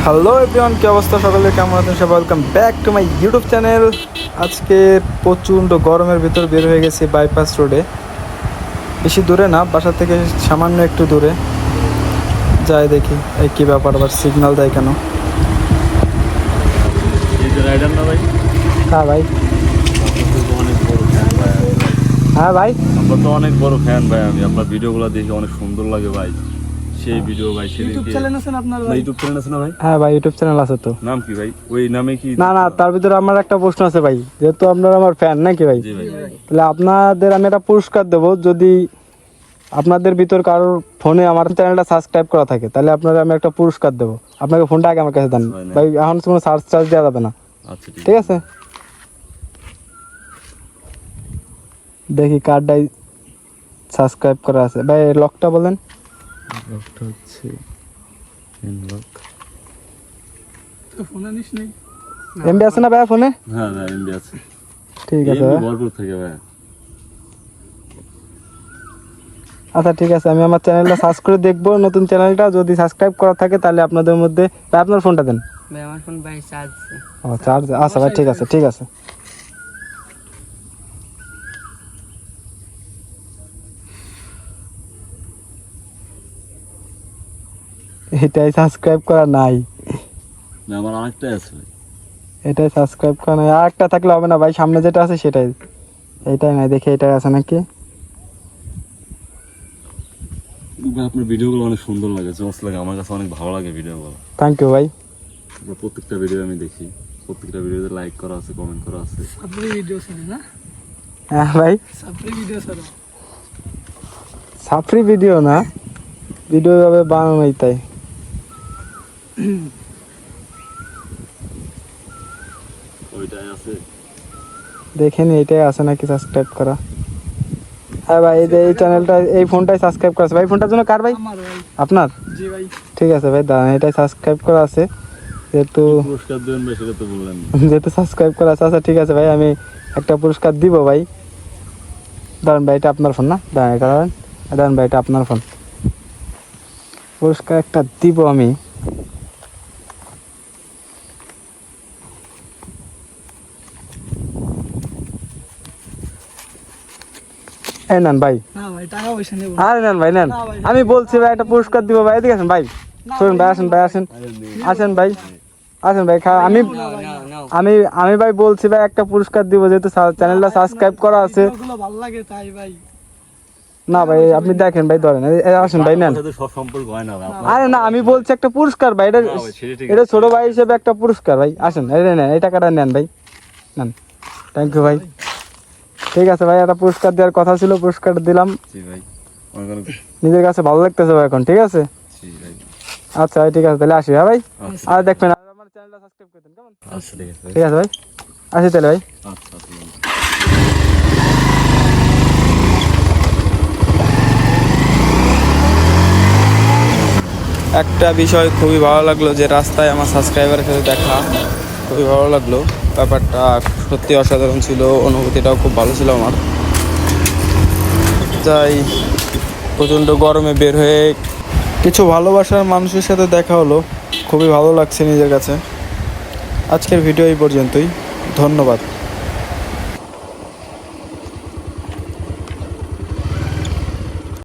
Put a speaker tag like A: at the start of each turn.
A: Hello everyone, কি অবস্থা? সকলে কেমন আছেন? সবাই welcome back to my YouTube channel. আজকে প্রচণ্ড গরমের ভিতর বের হয়ে গেছি বাইপাস রোডে। বেশি দূরে না, বাসা থেকে সামান্য একটু দূরে। যাই দেখি এই কী ব্যাপার, আবার সিগন্যাল দেয় কেন? হ্যাঁ ভাই, হ্যাঁ ভাই,
B: আমরা তো অনেক বড় ফ্যান ভাই। আমি আপনার ভিডিওগুলো দেখে অনেক সুন্দর লাগে ভাই। সেই ভিডিও ভাই,
C: ইউটিউব চ্যানেল আছে না আপনার ভাই?
B: ইউটিউব চ্যানেল আছে না ভাই?
A: হ্যাঁ ভাই, ইউটিউব চ্যানেল আছে তো।
B: নাম কি ভাই? ওই নামে কি?
A: না না, তার ভিতরে আমার একটা প্রশ্ন আছে ভাই, যেহেতু আপনারা আমার ফ্যান নাকি ভাই,
B: জি ভাই।
A: তাহলে আপনাদের আমি একটা পুরস্কার দেবো। যদি আপনাদের ভিতর কারোর ফোনে আমার চ্যানেলটা সাবস্ক্রাইব করা থাকে, তাহলে আপনারা আমি একটা পুরস্কার দেবো। আপনাকে ফোনটা আগে আমার কাছে দেন ভাই, এখন কোনো চার্জ দেওয়া যাবে না।
B: আচ্ছা
A: ঠিক আছে, দেখি কার্ডটাই সাবস্ক্রাইব করা আছে ভাই। লকটা বলেন।
B: লকটা হচ্ছে লক।
C: তো ফোন আনিস নাই?
A: এমবি আছে না ভাই ফোনে?
B: হ্যাঁ ভাই, এমবি আছে।
A: ঠিক আছে ভাই,
B: ভরপুর থাকে ভাই।
A: আচ্ছা ঠিক আছে, আমি আমার চ্যানেলটা সার্চ করে দেখবো। নতুন চ্যানেলটা যদি সাবস্ক্রাইব করা থাকে, তাহলে আপনাদের মধ্যে ভাই আপনার ফোনটা দেন।
C: ভাই আমার ফোন ভাই চার্জ
A: ও চার্জ আচ্ছা ভাই, ঠিক আছে ঠিক আছে। এটাই সাবস্ক্রাইব করা নাই,
B: না, আমার অনেকটাই আছে ভাই।
A: এটাই সাবস্ক্রাইব করা নাই। আর একটা থাকলে হবে না ভাই, সামনে যেটা আছে সেটাই। এইটাই নাই, দেখি এটাই আছে নাকি।
B: ভাই আপনার ভিডিওগুলো অনেক সুন্দর লাগে, জোস লাগে, আমার কাছে অনেক ভালো লাগে ভিডিওগুলো।
A: থ্যাংক ইউ ভাই।
B: আপনার প্রত্যেকটা ভিডিও আমি দেখি, প্রত্যেকটা ভিডিওতে লাইক করা আছে, কমেন্ট করা আছে।
C: সাপ্রি ভিডিও আছে না?
A: হ্যাঁ ভাই,
C: সাপ্রি ভিডিও আছে।
A: সাফরি ভিডিও না, ভিডিও ভাবে বানানোই তাই।
B: ওইটাই আছে।
A: দেখেনি এটাই আছে নাকি সাবস্ক্রাইব করা। হ্যাঁ ভাই, এই যে এই চ্যানেলটা, এই ফোনটাই সাবস্ক্রাইব করা আছে ভাই। ফোনটার জন্য কার ভাই?
C: আমার ভাই।
A: আপনার?
C: জি ভাই।
A: ঠিক আছে ভাই, দাঁড়ান, এটাই সাবস্ক্রাইব করা আছে যেহেতু।
B: পুরস্কার দেবেন ভাই, সেটা তো বললেন না।
A: যেহেতু সাবস্ক্রাইব করা আছে। আচ্ছা ঠিক আছে ভাই, আমি একটা পুরস্কার দিব ভাই। দাঁড়ান ভাই, এটা আপনার ফোন না? দাঁড়ান, এটা দাঁড়ান, দাঁড়ান ভাই, এটা আপনার ফোন। পুরস্কার একটা দিব আমি। এই নেন ভাই।
C: না ভাই, টাকা পয়সা নেব।
A: আরে নেন ভাই, নেন। আমি বলছি ভাই, একটা পুরস্কার দিব ভাই। এদিকে আসেন ভাই, শুনুন ভাই, আসেন ভাই, আসেন, আসেন ভাই, আসেন ভাই। আমি আমি আমি ভাই বলছি ভাই, একটা পুরস্কার দিব, যেহেতু চ্যানেলটা সাবস্ক্রাইব করা আছে।
C: এগুলো ভালো লাগে তাই ভাই।
A: না ভাই, আপনি দেখেন ভাই, ধরেন, আসেন ভাই, নেন।
B: আমার সাথে সব সম্পর্ক হয় না ভাই।
A: আরে না, আমি বলছি একটা পুরস্কার ভাই, এটা
B: না ভাই, সেটা ঠিক
A: এটা
B: আছে।
A: ছোট ভাই হিসেবে একটা পুরস্কার ভাই। আসেন, এই নেন, এই টাকাটা নেন ভাই, নেন। থ্যাংক ইউ ভাই। ঠিক আছে ভাই, একটা পুরস্কার দেওয়ার কথা ছিল, পুরস্কার দিলাম।
B: জি ভাই, অনেক অনেক।
A: নিজের কাছে ভালো লাগতেছে ভাই এখন। ঠিক আছে,
B: জি ভাই।
A: আচ্ছা ভাই, ঠিক আছে, তাহলে আসি। হ্যাঁ ভাই,
B: আচ্ছা।
A: আর দেখবেন, আর আমার চ্যানেলটা সাবস্ক্রাইব করে দেন, কেমন?
B: আচ্ছা ঠিক আছে ভাই।
A: ঠিক আছে ভাই, আসি তাহলে ভাই।
B: আচ্ছা আচ্ছা।
A: একটা বিষয় খুবই ভালো লাগলো, যে রাস্তায় আমার সাবস্ক্রাইবারের সাথে দেখা, খুবই ভালো লাগলো। ব্যাপারটা সত্যি অসাধারণ ছিল, অনুভূতিটাও খুব ভালো ছিল আমার। তাই প্রচণ্ড গরমে বের হয়ে কিছু ভালোবাসার মানুষের সাথে দেখা হলো, খুবই ভালো লাগছে নিজের কাছে। আজকের ভিডিও এই পর্যন্তই, ধন্যবাদ।